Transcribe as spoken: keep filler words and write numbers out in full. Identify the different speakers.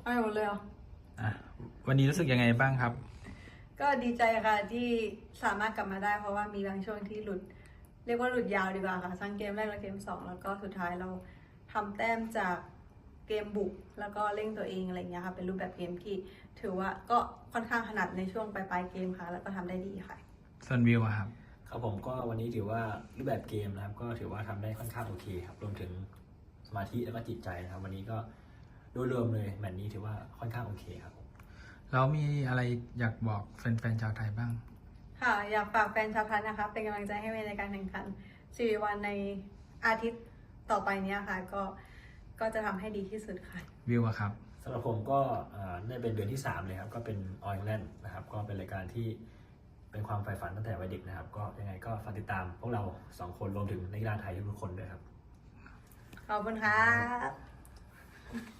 Speaker 1: เอาหมดเลยเหรอ
Speaker 2: อ่ะวันนี้รู้สึกยังไงบ้างครับ
Speaker 1: ก็ดีใจค่ะที่สามารถกลับมาได้เพราะว่ามีบางช่วงที่หลุด เรียกว่าหลุดยาวดีกว่าค่ะทั้งเกมแรกและเกมสองแล้วก็สุดท้ายเราทำแต้มจากเกมบุกแล้วก็เร่งตัวเองอะไรเงี้ยค่ะเป็นรูปแบบเกมที่ถือว่าก็ค่อนข้างถนัดในช่วงปลายๆเกมค่ะแล้วก็ทำได้ดีค่ะ
Speaker 2: ส่วนวิวอะครับ
Speaker 3: ครับผมก็วันนี้ถือว่ารูปแบบเกมนะครับก็ถือว่าทำได้ค่อนข้างโอเคครับรวมถึงสมาธิแล้วก็จิตใจนะครับวันนี้ก็โดยรวมเลยแมตช์นี้ถือว่าค่อนข้างโอเคครับผม
Speaker 2: แล้วมีอะไรอยากบอกแฟนๆชาวไทยบ้าง
Speaker 1: ค่ะอยากฝากแฟนชาวไทยนะคะเป็นกำลังใจให้เมย์ในการแข่งขันสี่วันในอาทิตย์ต่อไปเนี้ยค่ะก็ก็จะทำให้ดีที่สุดค่ะ
Speaker 2: วิวอะครับ
Speaker 3: สำหรับผมก็ได้เป็นเดือนที่สามเลยครับก็เป็นออ l แลนด์นะครับก็เป็นรายการที่เป็นความใฝ่ฝันตั้งแต่วัยเด็กนะครับก็ยังไงก็ฝากติดตามพวกเราสองคนรวมถึงนักกีฬาไทยทุกคนด้วยครับ
Speaker 1: ขอบคุณครับ